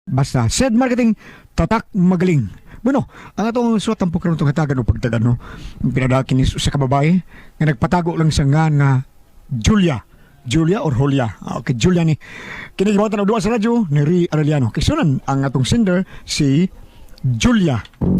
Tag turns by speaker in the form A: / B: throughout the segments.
A: Basta, said marketing, tatak magaling. Bueno, ang atong suwat ang pagkaroon itong hatagan o pagtagan, no? Pinadakin ni sa kababae, nga nagpatago lang sa nga Julia. Julia or Julia. Okay, Julia ni. Kinigibatan na duwa sa radyo ni Ri Arellano. Kisunan ang atong sender, si Julia.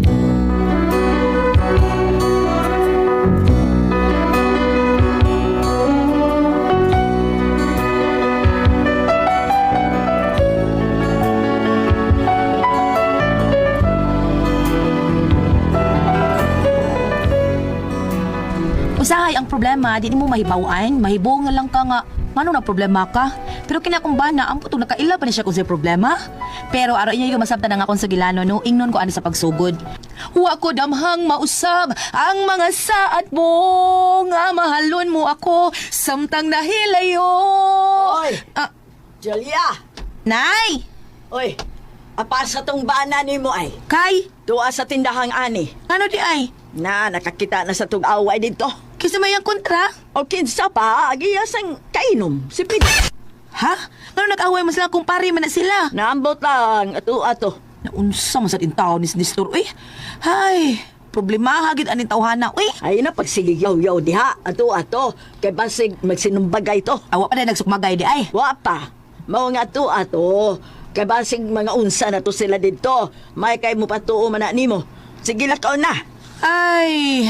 B: Usahay ang problema, di mo mahibawan, mahibo nga lang ka nga, ngano na problema ka? Pero kinakumbana, ang putong nakaila pa ni siya kung sa problema. Pero araw niya yung masabta na nga kung sa gilano, no, ingnon ko ano sa pagsugod. Huwa ko damhang mausab ang mga saat mo, nga mahalon mo ako, samtang nahilayo.
C: Oy! Julia!
B: Nay!
C: Oy! Apa sa tong bana ni mo ay?
B: Kay!
C: Tuwa sa tindahang ani.
B: Ano di ay?
C: Na, nakakita na sa tong away dito.
B: Kisa may ang kontra?
C: O kinsa pa, agiyas ang kainom. Si Pid.
B: Ha? Ano nag-away mo sila kung pari man na sila?
C: Naambot lang, ato.
B: Naunsa man sa tintaw ni Sinistor, uy. Hay, problema hagit aning tawhana, uy.
C: Ay na, pagsigiyaw-yaw diha, ato. Kay basig magsinumbagay to.
B: Awa pa na nagsukmagay di ay.
C: Wa pa. Mao nga ato. Kay basig mga unsa na to sila dito. May kay mo patuo man na nimo. Sige lakaw na.
B: Ay...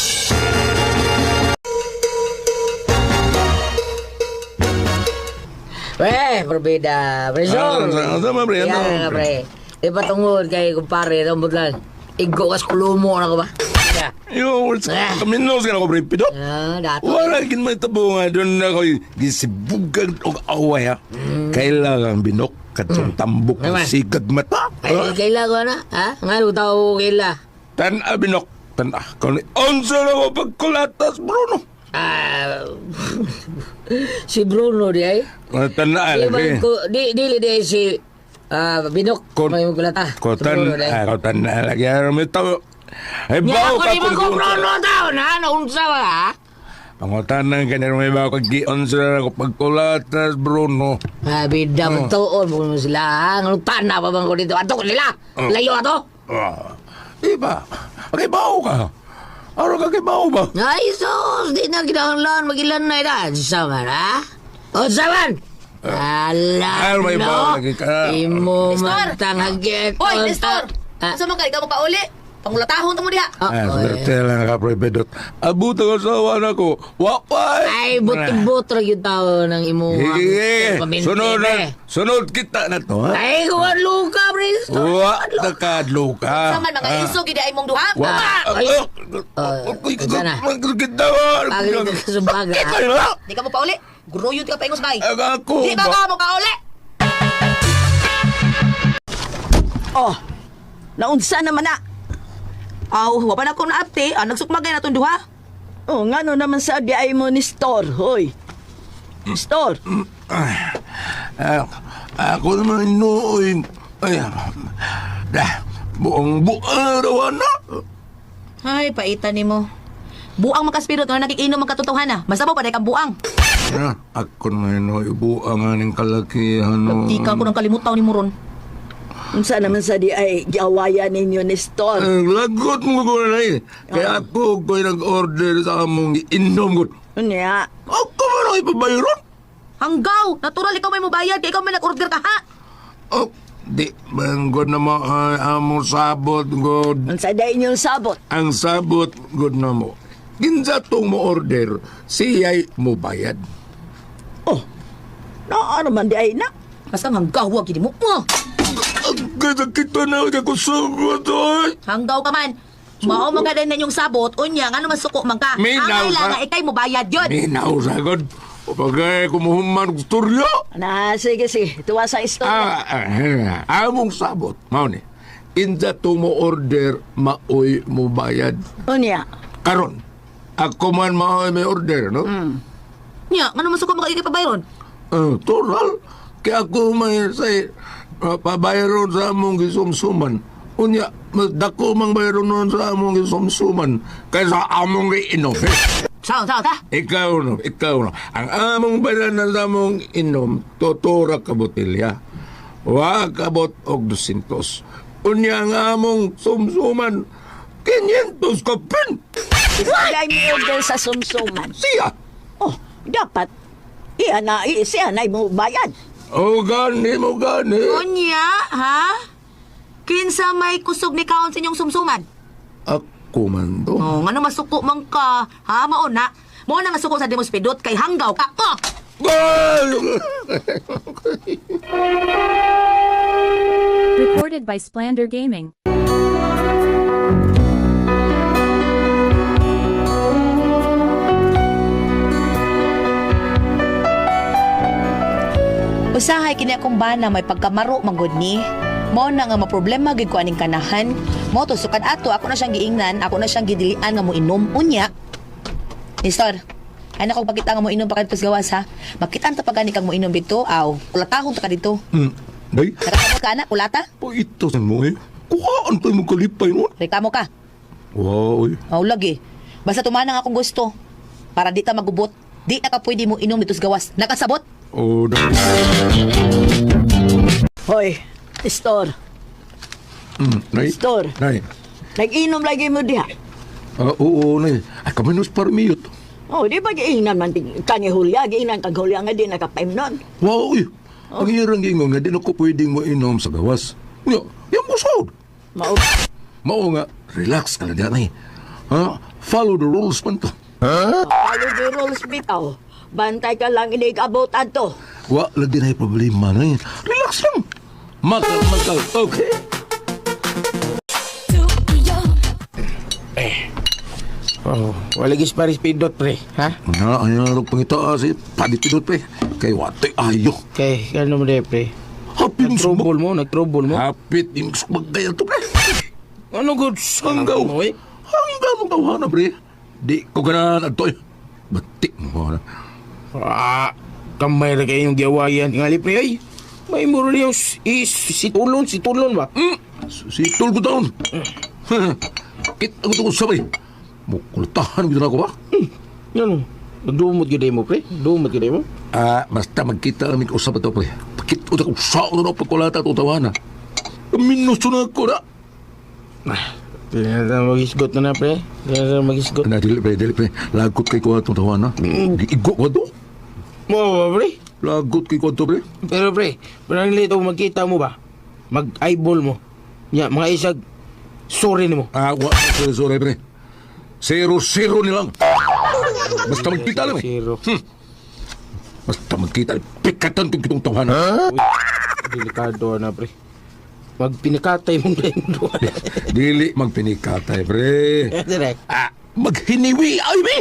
D: Pre, berbeda. Pre, Sol.
E: Sama, pre.
D: Yan nga, pre. Di pa tungod kay kumpare, rambut lang. Igo kas kulumo na ko ba? Ya.
E: Yo, kaminos ka na ko, pre. Pido.
D: Ah, dato.
E: Wala kin may tabo nga doon na ko gisibugan og away ha. Kailangan binok katong tambok ng
D: Naman.
E: sigag mata.
D: Ay, kaila ko na. Ha? Nga, tao kaila.
E: Tan-a binok. Tan-a. Kung onsa na ko pagkulatas, Bruno.
D: Ah, si Bruno di ay.
E: Tan-a
D: Di
E: lagi.
D: man ko, dili di si Binok.
E: Kon-
D: May magkulata.
E: Ko tan-a lagi. May tao. Ay,
D: Nya
E: bao
D: ako
E: ka
D: di man ko
E: kung-
D: Bruno tao na. Naunsa ba ha?
E: Pangutanang ka na may bao kag-gion sila ko pagkulatas, Bruno.
D: Ah, bida mo tuon mo sila ha. Nganong tana pa bang ko dito? Ato ko nila. Layo ato.
E: Diba? Okay, bao ka. Araw ka kay bao ba?
D: Ay, sus! Di na kinahanglan magilan na ita. Saman, ha? O, saman!
E: Ay, may bawa lagi ka.
D: Imo
B: Nestor!
D: matang hagit.
B: Oy, Nestor!
D: Ah.
B: Asa man ka, ikaw makauli? Pangulatahon tamo diha.
E: Swerte lang ka, Pre Pedot. Abot ang asawa na ko. Wapay!
D: Ay, buti-buti ra yung tao ng imo.
E: Hige! Sunod na. Sunod kita na to, ha?
D: Ay, kuwan luka, pre.
E: Wa, nakadlo ka.
B: Saman mga iso, gidi ay mong duha.
E: Wa.
D: sana.
E: Magkitawa.
D: Agad ka sa baga.
E: Ikaw na.
B: Di ka mo pauli. Gruyod ka pa ingos bay.
E: Ako
B: Di ba ka mo kauli?
C: Oh, naunsa naman na.
B: Aw, wa pa na ko na apte. Nagsukmagay na tong duha.
C: Oh, ngano naman sa di ay mo ni Store, hoy. Store.
E: Ako naman inuoy. Ay, buong araw na.
B: Ay, paitan ni mo. Buang makaspirot na nakikinom ang katotohanan. Basta mo pa kang buang.
E: Ako naman inuoy. Buang aning kalakihan.
B: Di ka ko nang kalimutaw ni Muron.
C: Unsa naman sa di ay giawayan ninyo ni Store.
E: Lagot mo ko na eh. Kaya ako ko'y nag-order sa among inom ko.
C: Unya.
E: Ako ba na ipabayron?
B: Hanggaw! Natural ikaw may mubayad kaya ikaw may nag-order ka ha!
E: Oh, di bang good na mo among sabot good.
C: Unsa day inyong sabot?
E: Ang sabot good na mo. Ginsa tong mo order, siya'y mo bayad.
C: Oh, ano man di ay na.
B: Basta hanggaw, wag gini mo.
E: Ang ganda kita na ako sagot ay.
B: Hanggaw ka man. Mao magaday na yung sabot, unya, nga naman suko man ka.
E: May
B: Ang
E: naw ka.
B: kailangan ikay mo bayad yun.
E: Minaw sagod. O bagay kumuhuman ng storyo.
C: Na, sige. Tuwa sa istorya.
E: Among sabot. Mao ni. Insa tong mo order, maoy mo bayad.
C: Unya.
E: Karon, ako man maoy may order, no?
B: Nya, nga naman suko man ka ikay pabayron.
E: Total. Kaya ako may say, pabayron sa among gisumsuman. Unya, mas dako mang bayron nun sa among gisumsuman kaysa among iinom.
B: Sao ta?
E: Ikaw no. Ang among bayaran sa among inom, tutura ka botelya. Wa kabot og 200. Unya nga among sumsuman 500 ka pin.
C: Isagay mo order sa sumsuman.
E: Siya.
C: Oh, dapat siya na mo bayad.
E: O gani mo gani.
B: Unya, ha? Kinsa may kusog ni kaon sa inyong sumsuman?
E: Ako man to.
B: Oh, ngano masuko man ka? Ha, mauna. Mo na nga suko sa demos pidot kay hanggaw ka. Oh!
F: Recorded by Splander Gaming.
B: Usahay kini akong bana may pagkamaro manggod ni. Mao na nga maproblema gid ko aning kanahan. Mo to sukad ato ako na siyang giingnan, ako na siyang gidilian nga mo inom unya. Nestor, ay nako pakita nga mo inom pa kadto sa gawas ha. Makitaan ta pagani kang mo inom dito, aw. Kulatahon ta ka dito.
E: Day,
B: Nakakabot ka na, kulata?
E: po ito sa mo eh. Kuhaan tayo mong kalipay mo.
B: Reklamo ka.
E: Wow, eh.
B: Aw lagi. Basta tumanang akong gusto. Para di ta magubot. Di na ka pwede mo inom dito sa gawas. Nakasabot?
E: Oh, day.
C: Hoy, Store,
E: Nay.
C: Store.
E: Nay.
C: Nag-inom lagi mo diha.
E: Oo, nay. Ay, kami nus parmiyot.
C: Oh, di ba giingnan man kangi hulya, giingnan kag hulya nga di nakapaim nun.
E: Wow, eh. Ang hirang gingon nga, di na ko pwedeng mo inom sa gawas. Yung musod.
C: Mao,
E: Mao nga, relax ka lang yan eh. Ha? Follow the rules man to.
C: follow the rules bitaw. Bantay ka lang inig-abot ato.
E: Wa, lagi na yung problema na yun. Relax lang. Makal. Okay.
G: Oh, walagis paris pindot pre, ha?
E: Na, ano na pangita si Padipidot pre. Kay wate ayo.
G: Kay, ano mo de pre?
E: Happy yung
G: Nag-trouble
E: sumag.
G: mo, nag-trouble mo.
E: Hapit yung sumagdaya to pre.
G: Ano good?
E: Hanggaw.
G: Mo eh?
E: Hanggaw mong tawanan pre. Di ko ganahan at to'y. Batik mo na.
G: Ah, kamay na kayo yung giawayan. Tingali pre, ay. May muro niyo si tulon ba?
E: Si Tulgo taon. Kita ko sabay. Mukultahan ko na ako ba?
G: Ano? Nagdumot giday mo pre? Dumot giday mo?
E: Basta magkita kami usap ito pre. Pakita ko saan na pagkulata at utawana. Minuso na ako na.
G: Pinata magisgot na pre. Pinata magisgot.
E: Dili pre. Lagot kay ko atong tawana. Igo ko to.
G: Mo ba pre?
E: Lagot kay ko to pre.
G: Pero pre, parang lito magkita mo ba? Mag-eyeball mo. Ya, mga isag, sorry ni mo.
E: Sorry pre. 0-0 nilang. Basta magkita lang eh.
G: Zero.
E: Basta magkita. Pikatan kong kitong tawana.
G: Uy, delikado na pre. Magpinikatay mong lendo.
E: Dili magpinikatay pre.
G: Direk.
E: Maghiniwi ay be.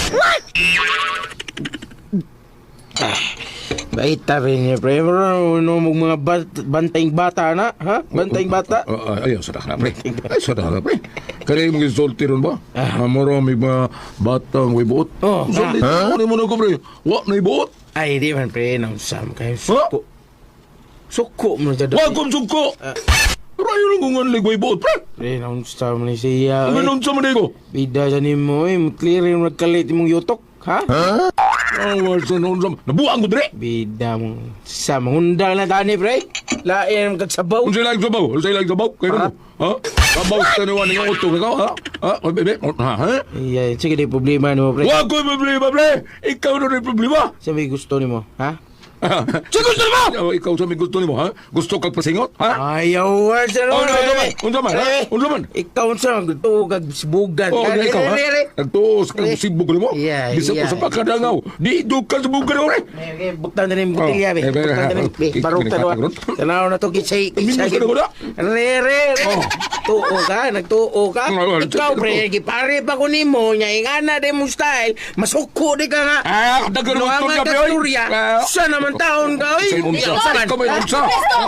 G: Baita rin niya pre. Ano mong mga bantaying bata na? Ha? Bantaying bata?
E: Ayaw, sadak na pre. Ay, sadak na pre. Kaya yung isolti ron ba? Marami mga batang may buot.
G: Oh,
E: Isolti. Ano mo na ko pre? Wa na ibuot.
G: Ay, di man pre. Nausam kayo. Suko. Suko mo na dyan.
E: Wa kong suko. Rayo lang kung ang ligway buot pre.
G: Pre, nausam ni siya.
E: Ganun sa manigo.
G: Bida sa ni mo eh. Clear yung nagkalit mong yutok. Ha?
E: Sa noon sa... Nabuang ko dire.
G: Bida mong sa mangundang na tani pre. Lain ang kagsabaw.
E: Kung sila sabaw? Kung sila sabaw? Kaya mo? Ha? Sabaw sa taniwan ng utong ikaw, ha? Ha? Bebe? Ha?
G: Iya, sige di problema ni mo pre.
E: Wa ko problema pre. Ikaw na rin problema.
G: Sabi gusto ni mo, ha?
E: Sa gusto mo? Ikaw sa may gusto mo, ha? Gusto kang pasingot, ha?
G: Ayaw wa sa
E: Oh, unsa man, ha? Unsa man?
G: Ikaw sa gusto kag sibugan.
E: Oh,
G: Kaya,
E: ikaw, ha? Nagtuos kang sibog mo?
G: Yeah,
E: Bisa ko
G: yeah.
E: sa pagkadangaw. Di doon ka sa bugan mo, re.
G: Buktan na rin butilya, be.
E: Oh,
G: Buktan na rin. Barok ka doon. Tanaw na to, kisay.
E: Minus ka na ko na.
G: Re.
E: Oh.
G: Tuo ka, nagtuo ka.
E: Oh,
G: Ikaw, pre, gipare pa ko ni mo, niya ingana de mo style, masuko di ka nga.
E: Dagan mo
G: Luangan ka, Surya. Sa naman taon ka, oy.
E: Sa unsa? Ikaw may unsa?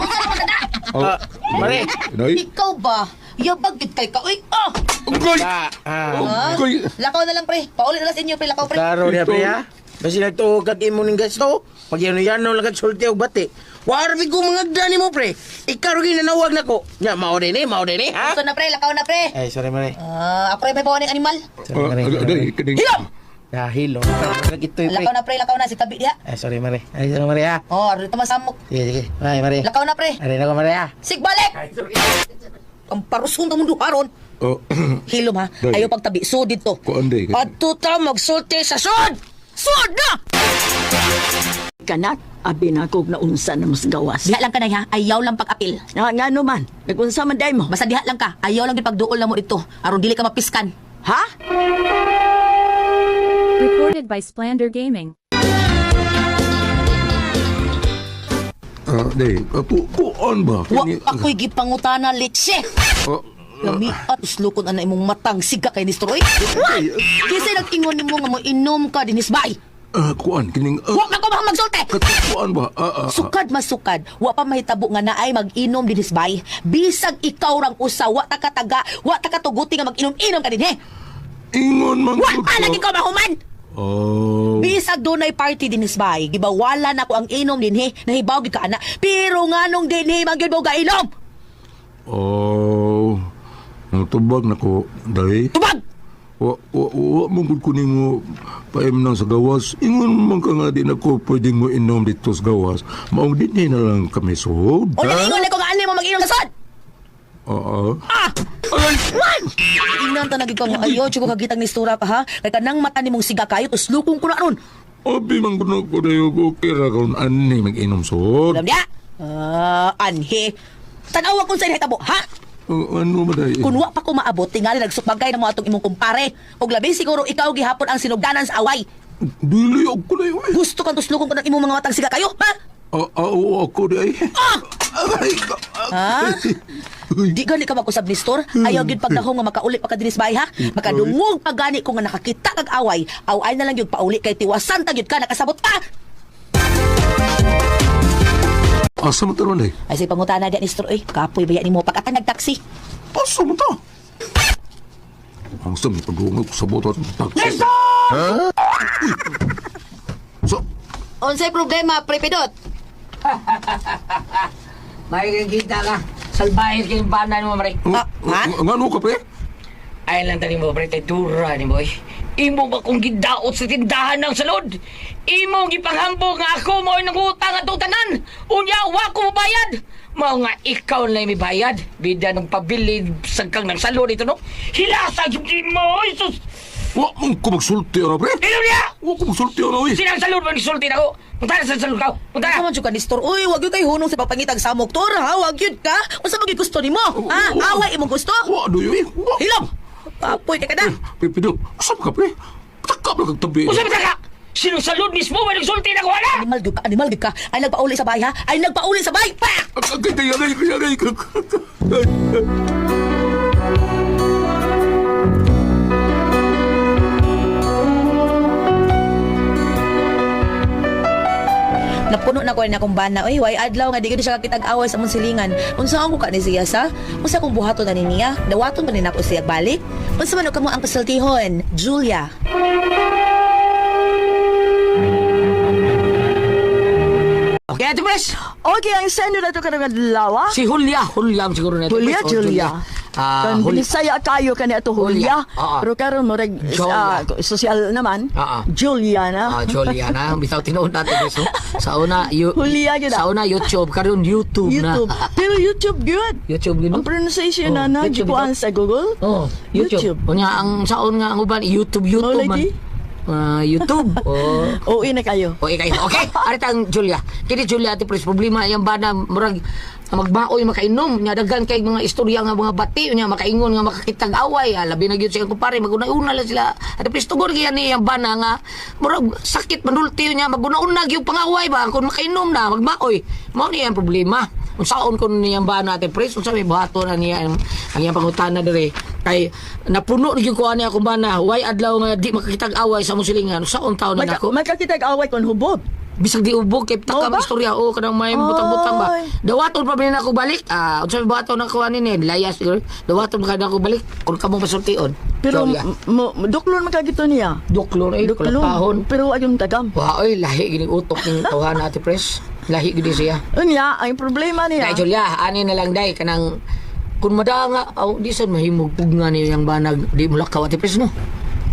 G: Mare.
E: Nay?
B: Ikaw ba? Yabagit kay ka. Uy, oh!
E: Unggoy!
B: Ha?
E: Unggoy!
B: Lakaw na lang, pre. Paulit na lang sa inyo, pre. Lakaw, pre.
G: Klaro niya, pre, ha? Basi nagtuo kag imo ning gasto, pag yan-yan lang sulti og bati. Warbi ko mga gani mo, pre. Ikaw rin nanawag na ko. Nya, mao din ha?
B: Gusto na, pre. Lakaw na, pre.
G: Ay, sorry, mare.
B: Ako rin may bawa ng animal.
G: Sorry, mare.
E: Day, kining...
G: Hilom! Dahil, no. Ito'y, pre.
B: Lakaw na si tabi diha.
G: Ay, sorry, Mare. Ay, sorry, Mare, ha.
B: Oh, rito masamok.
G: Sige, sige. Ay, Mare.
B: Lakaw na pre.
G: Ay, na ko, Mare, ha.
B: Sig balik. Ang parusun ta mundo haron.
E: Oh,
B: Hilom ha.
E: Day.
B: Ayaw pagtabi. Sud dito.
E: kuan day.
B: Adto ta magsulti sa sud. Sud na.
C: Kanat, abi na kog naunsa na mas gawas.
B: Diha lang ka na ha. Ayaw lang pag-apil.
C: Nga no man, nagunsa man day mo.
B: Basta diha lang ka. Ayaw lang gipagduol na mo dito. Aron dili ka mapiskan.
C: Ha?
F: Recorded by Splander Gaming.
E: Day, kuan ba?
B: Wa ako'y gipangutana litse.
E: Oh,
B: Lami at uslukon ana imong matang siga kay Nistroy. Kisay nag-ingon nimo nga mo inom ka dinis bay.
E: kuan kining
B: Wa na ko magsulti.
E: kuan ba?
B: Sukad masukad, wa pa mahitabo nga naay mag-inom dinis bay. Bisag ikaw rang usa, wa ta kataga, wa ta katuguti nga mag-inom-inom ka dinhi.
E: Ingon man
B: Wa
E: gud
B: pa
E: ka.
B: lagi ka mahuman.
E: Oh.
B: Bisag dunay party dinis bay, gibawala na ko ang inom dinhi, nahibaw gid ka ana. Pero nganong dinhi magyud mo gainom?
E: Oh. Natubag na ko, day.
B: Tubag.
E: Wa mong gud kuning mo paim nang sa gawas. Ingon man ka nga di na ko pwedeng mo inom dito sa gawas. Maong dinhi na lang kami sud.
B: O naingon na ko nga ani mo mag-inom sa sod.
E: Oo.
B: Ay! Inan ta nagig ko nga ayo, tsiko kagitang nistura ka ha. Kay kanang mata nimong siga kayo, uslukong ko na ron.
E: Abi man kuno ko dayo ko kira karon ani mag-inom sud.
B: Alam niya? Anhe. Tanawa kung sa hitabo, ha?
E: Ano ba day?
B: Kung wa pa ko maabot, tingali nagsupagay na mo atong imong kumpare. Og labi siguro ikaw gihapon ang sinugdanan sa away.
E: Dili ako na yun.
B: Gusto kang tuslukong ko ng imong mga matang siga kayo, ha?
E: Oo, ako di ay. Aray,
B: Ha? Di gani ka magkusab ni store. Ayaw gyud pagdahong nga makauli pa ka dinis bay ha. Makadungog pa gani ko nga nakakita kag away. Away na lang gyud pauli kay tiwasan ta gyud ka nakasabot ka.
E: asa mo taron day?
B: Ay say pangutana di ni store oy. Kapoy baya nimo pagkatang nagtaksi.
E: Asa mo ta? Ang sami pagdungog sa boto at taxi. So,
B: Unsay problema, prepidot?
D: May kita ka. Salbahin kayong bana mo, Mare.
B: Ha?
E: ngano ka pre?
D: Ay lang tani mo, pre. Dura ni boy. Imo ba kung gidaot sa tindahan ng salod? Imo gipanghambog nga ako mo nang utang at utanan. Unya, wa ko bayad. Mao nga ikaw na may bayad. Bida ng pabili sagkang ng salod ito, no? Hilasa yung mo, Isus!
E: Wa mong ko magsulti ano pre?
D: Ilo niya!
E: Wa ko magsulti ano eh.
D: Sinang salod mo nisulti na ko? Punta na sa salod ka. Punta na!
B: Kaman jud ka ni store. Uy, wag gyud kay hunong sa pagpangitag samok tor ha. Wag gyud ka. Unsa magig gusto nimo? Ha? Away imong gusto?
E: Wa do yun eh. Wa.
B: Hilom. Papoy ka na.
E: Pipido, asa ka pre? Takap na kagtabi.
D: Usa ba ka? Sinong salod mismo mo nagsulti na ko, wala?
B: Animal gyud ka. Ay nagpauli sa bahay ha. Ay nagpauli sa bahay. Pa!
E: Kaya.
B: Napuno na ko na akong bana. Uy, way adlaw nga di ko siya kakitag-away sa mong silingan. Unsa ako ka ni siya sa? Unsa akong buhaton na niya? Dawaton pa ni nako siya balik. Unsa man ka mo ang pasultihon? Julia.
D: Okay, Ate Pres.
C: Okay, ang sendo na to ka ng lawa.
D: Si Julia siguro na ito.
C: Julia,
D: Pres. Oh,
C: Julia. Kan
D: Julia.
C: binisaya kayo kani ato Julia.
D: Oo.
C: Pero karon mo reg
D: Julia.
C: social naman.
D: Oo.
C: Julia na.
D: Julia na. Bitaw tinuod natin, Pres. No? Sa una,
C: Julia gid.
D: sa una YouTube. Karon YouTube na.
C: YouTube. Pero YouTube good.
D: YouTube gino.
C: Ang pronunciation
D: Oh,
C: na
D: YouTube
C: gikuan sa Google.
D: Oh, YouTube. Unya ang saon nga ang uban YouTube
C: Oh,
D: man.
C: lady.
D: YouTube. Oh.
C: Oo, na kayo.
D: Okay, aritang Julia. Kini Julia ati pres problema yang bana murag magbaoy makainom nya daghan kay mga istorya nga mga bati nya makaingon nga makakitag away labi na gyud sa kumpare maguna-una lang sila ati pres tugod kay ni yang bana nga murag sakit manulti nya maguna-una gyud pangaway ba kun makainom na magbaoy mao ni ang problema unsaon kun niyang bana ati pres unsa may buhaton na niya ang iyang pangutana dire kay napuno gyud ko ani akong bana why adlaw nga di makakitag away sa musilingan unsaon taon na nako
C: Magkakitag away kon hubog.
D: bisag di ubog kay taka
C: Oh, ba?
D: istorya o kanang may butang-butang ba
C: Ay.
D: dawaton pa ba ako balik unsa may buhaton nako ani ni layas siguro dawaton ba ako balik kun kamo pasultion
C: Pero
D: Julia.
C: duklon man kagito niya.
D: duklon ay
C: Duklon.
D: kalapahon
C: Pero wag yung tagam.
D: wa oy lahi gini utok ning tawhan ati pres lahi gini siya
C: Unya, ang problema niya.
D: Dai Julia ani na lang dai kanang kun madanga aw di sad mahimog pugna ni yang banag di mulakaw ati pres no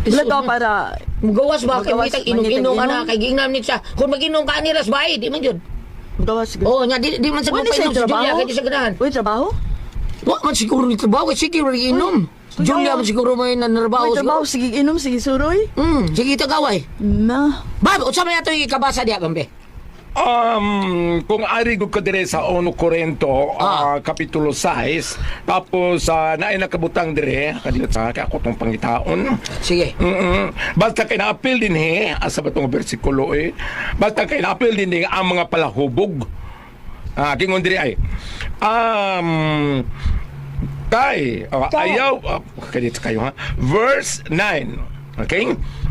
C: Wala daw para...
D: Mugawas ba? Kaya
C: Mugawas,
D: mitag inom-inom
C: mangitag-inom.
D: ana kay gingnam ni siya. Kung mag-inom ka niras ba, di man yun.
C: Gawas siguro.
D: Oo, nya di man sa
C: Wala siya
D: painom si Julia
C: trabaho?
D: kay di siya ganahan.
C: Uy, trabaho?
D: Wa man siguro ni trabaho, siguro rin inom.
C: Uy,
D: Julia
C: oo.
D: man siguro may nanarbaho.
C: Uy, trabaho. Sige, inom. Sige, suroy.
D: Sige tagaway.
C: Na.
D: Bab, unsa may ato ikabasa diha bambe?
E: Kung ari gud ka dire sa 1 Corinto, Kapitulo 6, tapos naay nakabutang dire, kadiyot sa ako tong pangitaon.
D: Sige.
E: Basta kay na-appeal din asa ba tong bersikulo basta kay na-appeal din ang mga palahubog. Kingon dire ay, ayaw, kadito kayo ha, verse 9, okay?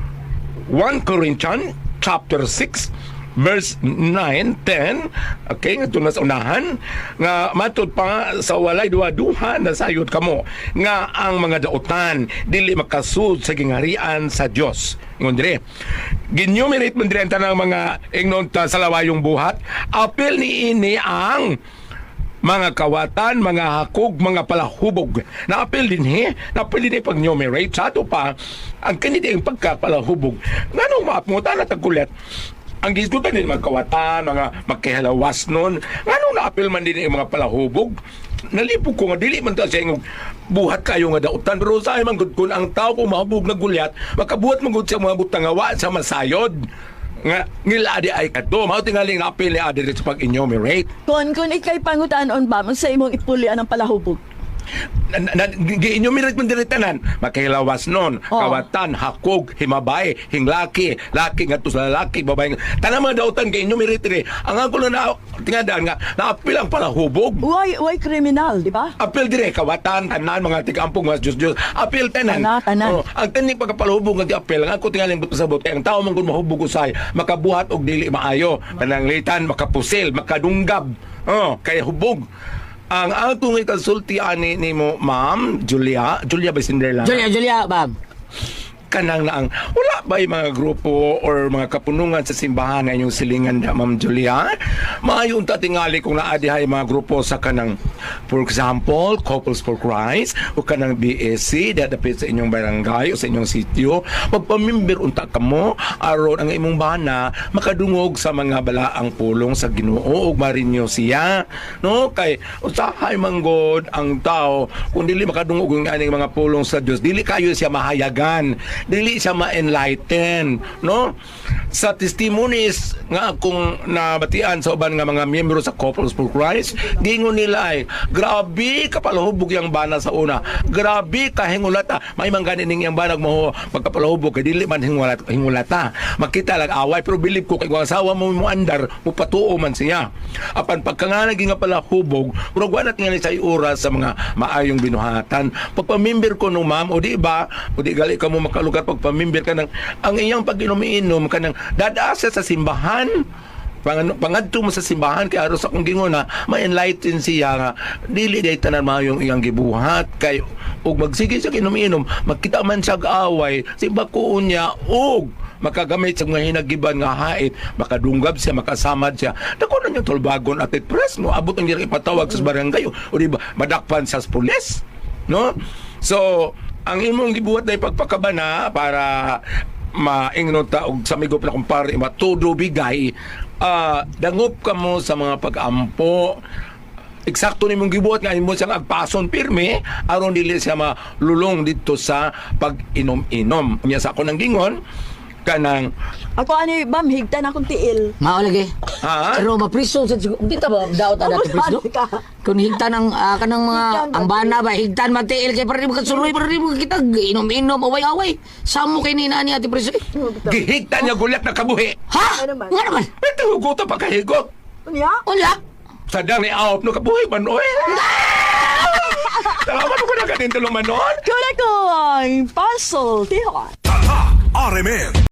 E: 1 Corinthians chapter 6 verse 9, 10, okay, ito na sa unahan, nga matod pa sa walay duha-duha na sayod kamo, nga ang mga dautan, dili makasud sa gingarian sa Dios. Ingon dire, ginumerate man dire ang tanang mga ingnon ta sa lawayong buhat, apil ni ini ang mga kawatan, mga hakog, mga palahubog. Naapil din naapil din pag-numerate. Sa ato pa, ang kanina yung pagkapalahubog. Nga nung maapungutan at tagkulit, ang gisgutan din mga kawatan, mga magkihalawas nun. Nga nung naapil man din yung mga palahubog, nalipog ko nga, dili man ta siya yung buhat kayo nga dautan. Pero sa ay man gud kun ang tao kung mahubog na gulyat, makabuhat man gud sa mga butangawa sa masayod. Nga ngila adi ay kadto mao tingaling naapil ni adi sa pag-enumerate.
C: Kung ikay pangutaan ba, sa imong ipulian ang palahubog.
E: Gi-enumerate man diri tanan, makahilawas nun,
C: Oh.
E: kawatan, hakog, himabay, hinglaki, laki nga to sa lalaki, babae. Tanang mga dautan gi-enumerate diri. Ang ako na tingadaan nga naapil ang palahubog.
C: Why criminal, di ba?
E: Apil dire kawatan tanan mga tigampong mga Diyos. Apil tanan.
C: Tanan.
E: Ang taning pagkapalahubog nga apil nga ako tingaling pasabot kay ang tao man kun mahubog usay makabuhat og dili maayo, pananglitan, makapusil, makadunggab. Kay hubog. Ang atong ikasulti ani nimo Ma'am Julia ba Cinderella?
D: Julia, bab.
E: Kanang naang wala ba yung mga grupo or mga kapunungan sa simbahan na inyong silingan na Ma'am Julia? Maayon ta tingali kung naadihay mga grupo sa kanang, for example, Couples for Christ o kanang BSC dadapit sa inyong barangay o sa inyong sitio. Magpamimber unta kamo aron ang imong bana makadungog sa mga balaang pulong sa Ginoo ug marinyo siya, no? Kay usahay manggod ang tao kung dili makadungog ang aning mga pulong sa Dios, dili kayo siya mahayagan, dili siya ma-enlighten, no? Sa testimonies nga akong nabatian sa uban nga mga miyembro sa Couples for Christ, gingon nila ay grabe kapalahubog yang bana sa una, grabe kahingulata, may mangganin ning yang banag mo pagkapalahubog kay dili man hingulata, makita lang away, pero believe ko kay kung asawa mo andar mo patuo man siya apan pagkanganagi nga palahubog murag wa natin nga sa oras sa mga maayong binuhatan pagpamimber ko no ma'am o di ba o di gali ka mo makalugar pagpamimber ka ng ang iyang pag-inom-inom ka ng dadaasa sa simbahan pangadto mo sa simbahan kay aros akong gingon na ma-enlighten siya nga dili day tanan maayong iyang gibuhat kay ug magsige siya inom-inom makita man siya away si bakuon niya ug makagamit sa mga hinagiban nga hait makadunggab siya makasamad siya dako na yung tulbagon at press no abot ang ipatawag sa barangay o di ba madakpan sa pulis no so ang imong gibuhat na pagpakabana para maingnon ta og sa migo pala kumpare matudo bigay dangop ka mo sa mga pag-ampo eksakto nimong gibuhat nga imo siyang agpason pirme aron dili siya malulong dito sa pag-inom-inom niya sa ako nang gingon kanang
C: Ako ani, bam, higtan akong tiil.
D: Mao lagi.
E: ha
D: Pero mapriso sa di ta ba daot ada to priso? Kung higtan ang kanang mga ang bana ba higtan matiil kay para di mo kasuloy para di mo kita inom-inom away-away. Samo kay ni nani ati priso.
E: gihigtan niya gulat na kabuhi
D: Ha?
C: Ano naman?
D: Nga naman.
E: ito hugot pa kahigo
C: Unya?
D: Unya.
E: sadang ni aop no kabuhi man oy salamat ko na kanin tulong manon
C: Kuna ko ang puzzle, tihon.
H: Tatak RMN